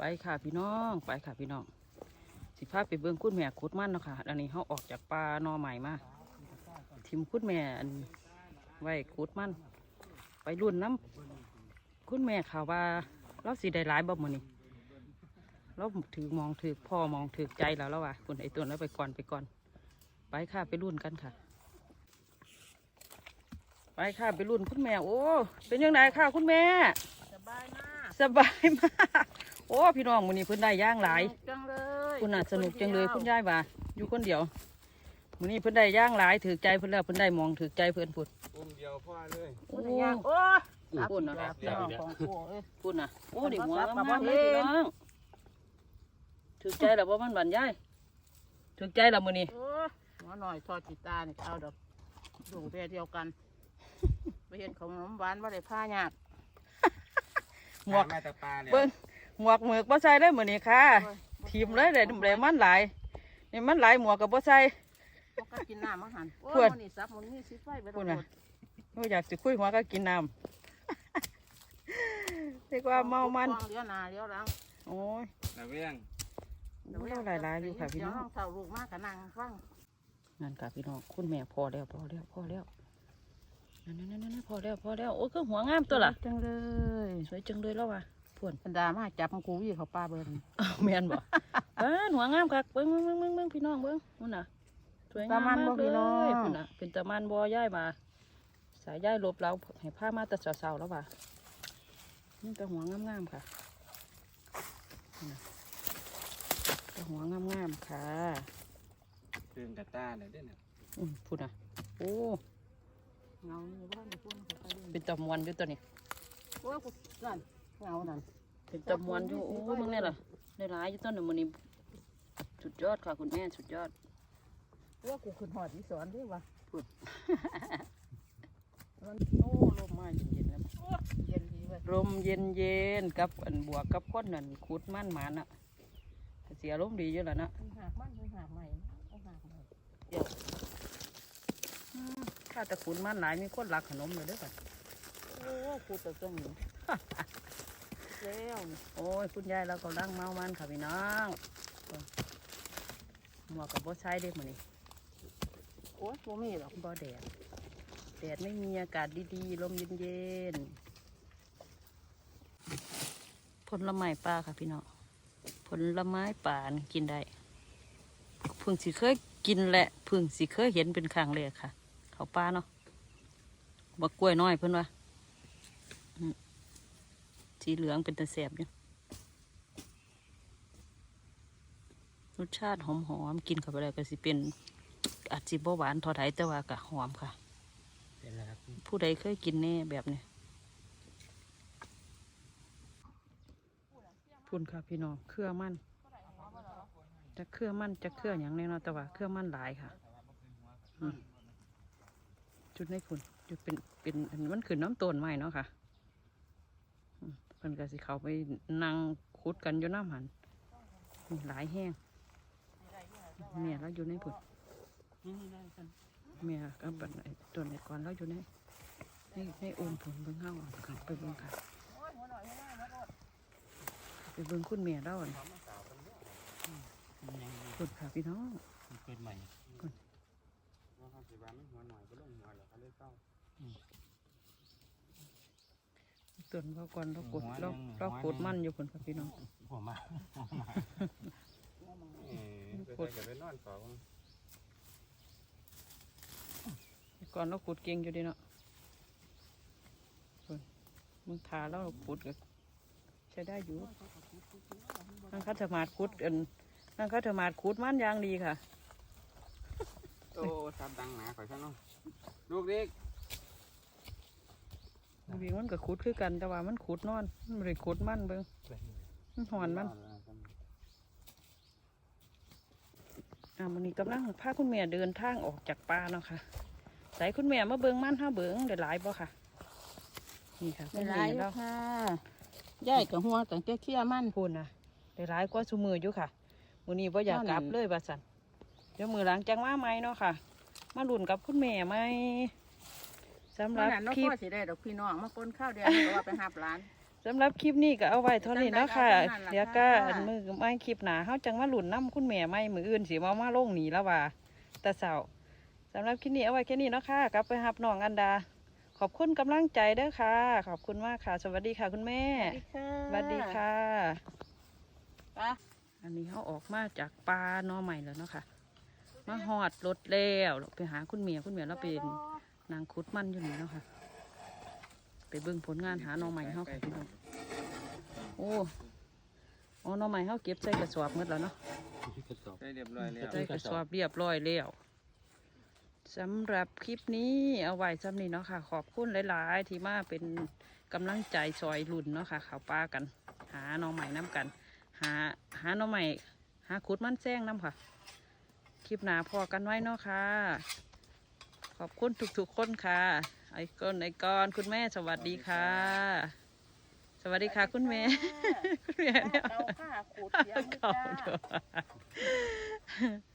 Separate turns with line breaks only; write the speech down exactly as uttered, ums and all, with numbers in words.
ไปค่ะพี่น้องไปค่ะพี่น้องสิพาไปเบิ้งคุณแม่ขุดมันเนาะค่ะอันนี้เขาออกจากป่าหนอใหม่มาทิมคุณแม่อันไว้ขุดมันไปรุ่นน้ำคุณแม่ข่าวว่าเราสีได้หลายบ่มื้อนี้เราถือมองถือพ่อมองถือใจแล้วแล้วว่ะคุณไอตัวนั้นไปก่อนไปก่อนไปค่ะไปรุ่นกันค่ะไปค่ะไปรุ่นคุณแม่โอ้เป็นยังไงค่ะคุณแม่
สบายมาก
สบายมากโอ้พี่น้องมื้อนี้เพิ่นได้ย่างหลาย
จังเลย
คุณน่ะสนุกจังเลยคุณยายว่าอยู่คนเดียวมื้อนี้เพิ่นได้ย่างหลายถือใจเพิ่นแล้วเพิ่นได้มองถือใจเพิ่นพุ่น
อุ้มเดียวพ่อเลย
โอ้
โอ้ย
พุ่นน่ะ
พี่น้องของกูเอ้ย
พุ่นน่ะโอ้ดิหัวงามๆเลยพี่น้องถือใจแล้วบ่มันบันยายถือใจแล้วมื้อนี้
โอ้ยหัวหน่อยทอดจิตานี่เอาดอกดูเดียวกันไปเห็นขนมหวานว่าได้ผ้ายาก
หมวก
มาตะปาเนี่ย
เบิ่งหมวกหมือกบ่ใส่เลยมื้อนี้ค่ะทีมเลยได้ได้มันหลายนี่มันหลายหมวกก็บ่ใส่
พวกก็กินน้ำมาหันโอ้
เพื่
ย
อน
มันนี่ซับมันนี่สิไฟไป
พุ่น
แล้
น่ะ
ว
โอ้อยากสิคุยหัวก็กินน้ำ เรียกว่าเมามัน
เลี้ยวหน้าเลี้ยวหลัง
โอ้ย
ระเวียง
เราหลายๆอยู่ค่ะพี่น้อง
เดี๋ยวเท่าลูกมากกับนางฟัง
นั่นค่ะพี่น้องคุณแม่พอแล้วพอแล้วพอแล้วนั่นนั่นนั่นพอแล้วพอแล้วโอ้ยก็หัวงามตัวล่ะ
จังเลย
สวยจังเลยแล้วว่ะพวน
บรรดามาจับมันกูวิ่งเขาป้าเบิ้ง
อ้าวแม่นบ่ เอ้หัวงามคักเบิ้งเบิ้งเบิ้งเบิ้งเบิ้งพี่น้องเบิ้งนู่นน่ะสวยงามมากเลยพุ่นน่ะเป็นตะมันบ่ย้ายมาสายย้ายลบเราให้ผ้ามาแต่เสาๆแล้วว่ะนี่แต่หัวงามๆค่ะนี่น่ะแต่หัวงามๆค่ะ
ตื่นกระตาเลยเด้อเนี่ย
อืมพุ่นน่ะโอ้
เงาอยู่บ้านอยู่พุ่นเขาไปเล่น
เป็นตะมวนอยู่ตัวนี้
โอ้ยกูนั่นเงานั่น
เป็นตะมวนอยู่โอ้มึงเนี่ยล่ะได้หลายอยู่ต้นหนึ่งมันนี่สุดยอดค่ะคุณแม่สุดยอด
ว่ากูขึ้นหอดอีสอนด้วยวะ
มันโอ้ลมมาเย็นๆแล้ว
เย็นดีเว้ย
ลมเย็นๆกับอันบวกกับก้นนั่นขุดมันหมาน่ะเสียลมดีอยู่แล้วนะ
มันหักมันมันหักใหม่เอาหักใหม่
อืมข้าแต่ขุดมันหลายมีคนรักขนมเลยเด้วยกัน
โอ้กูจะต้องหนีแล้วนี่
โอ้ยคุณยายเราก็ร่างเมามันค่ะพี่น้องหมวกกับบ่ใช้เด็กมันนี่
โอ้ยกูมีหรอก
บ่แดดแดดไม่มีอากาศดีๆลมเย็นๆผลไม้ป่าค่ะพี่น้องผลไม้ป่านี่กินได้เพิ่งสิเคยกินแหละเพิ่งสิเคยเห็นเป็นครั้งแรกค่ะ เขาป่าเนาะบักกล้วยน้อยเพิ่นว่าอืมสีเหลืองเป็นตะแสบอยู่รสชาติหอมๆกินเข้าไปแล้วก็สิเป็นอาจสิบ่หวานเทอดไทยแต่ว่าก็หอมค่ะ
เป็นแล้วครับ
ผู้ใดเคยกินแน่แบบนี้พุ่นค่ะพี่น้องเครือมันจะเครือมันจะเครืออย่างแน่นอนแต่ว่าเครือมันหลายค่ะอืมจุดในพุ่นจุดเป็นเป็นอันมันขึ้นน้ำต้นใหม่เนาะค่ะอืมเพิ่นก็สิเขาไปนั่งขุดกันอยู่น้ำหันนี่หลายแห้งเมียแล้วอยู่ในพุ่น
นี่นี่ได้กัน
เมียก็บันไอ้ต้นไอ้ก่อนแล้วอยู่ในในในโอมผลเบิ่งเฮาค่ะไปเบิ่งค่ะไปเบิ่งคุณเมียแล้วอ่ะคุณค่ะพี่น้อง
เกิดใหม่ว่าเขาสิว่ามันหัวหน่อยก็ลงหัวแล้วเขาเลยเศร้า
ต้นเขาก่อนเรากดเราเรากดมันอยู่คุณค่ะพี่น้อง
หัวมาเออไปใส่กับไปนอนเฝ้า
ก่อนเราขุดเก่งอยู่ดีเนาะคุณมึงทาแล้วขุดก็ใช้ได้อยู่นั่งคัตมาดขุดอันนั่งคัตมาดขุดมันอย่างดีค่ะ
โอ้ซับดังหนาข่อยซะเนาะลูกเด็ก
วิ่งมันก็ขุดคือกันแต่ว่ามันขุดนอนมันไม่ได้ขุดมันเบิ่งมันหอนมันอ่าวันนี้กำลังพาคุณแม่เดินทางออกจากป่าเนาะค่ะใส่คุณแม่มาเบิ่งมันห้าเบิ่งได้หลายบ่ค่ะนี่ค่ะ
ไม่ร้ายแล้วค่ะย่ายกับหัวกับเจ้าเขี้ยมัน
พูนนะได้หลายกว่าซุมืออยู่ค่ะมื้อนี้บ่อยากกลับเลยว่าซั่นเดี๋ยวมื้อหลังจังมาใหม่เนาะค่ะ มาลุ้นกับคุณแม่ใหม่สำห
เมื่
รั
อบ นั้นน้อง
คลิป
พ่อสิได้ดอกพี่น้องมาปนข้าวเดียวก็ว่าไปหับร้าน
สำหรับคลิปนี้ก็เอาไว้เท่านี้เนาะค่ะเดี๋ยวก็อันมือไม่คลิปหนาเขาจังมาหลุนน้ำคุณแม่ไม่มืออื่นสิมามาลงหนีแล้วว่าแต่เสาสำหรับคลิปนี้เอาไว้แค่นี้เนาะค่ะกลับไปหับน้องอันดาขอบคุณกำลังใจเด้อค่ะ ขอบคุณมากค่ะ สวัสดีค่ะคุณแม่
สวัสดีค่ะ
สวัสดีค่ะ
ไป
อันนี้เขาออกมาจากปลาหนอใหม่แล้วเนาะค่ะมาหอดรถแล้วไปหาคุณเมียคุณเมียเราเป็นนางคุดมันอยู่นี่เนาะค่ะไปเบิ่งผลงานหาหนอใหม่เขาค่ะพี่น้องโอ้โอ้หนอใหม่เขาเก็บใส่กระสอบหมดแล้วเนาะ
ได้เรียบร้อยแล้ว
ใส่กระสอบเรียบร้อยแล้วสำหรับคลิปนี้เอาไว้ซ้ำนี้เนาะค่ะ ขอบคุณหลายๆที่มาเป็นกำลังใจซอยรุ่นเนาะค่ะข่าวปลากัน หาหนอใหม่น้ำกัน หาหาหนอใหม่หาขุดมันแซงน้ำค่ะ คลิปหนาพอกันไว้เนาะค่ะ ขอบคุณทุกๆคนค่ะ ไอ้ก้อนไอ้ก้อนคุณแม่สวัสดีค่ะ สวัสดีค่ะคุณแม่ คุณแม่เนี่ย
เอาผ้าขูดเสียง
เขา
จ้า
ด้วย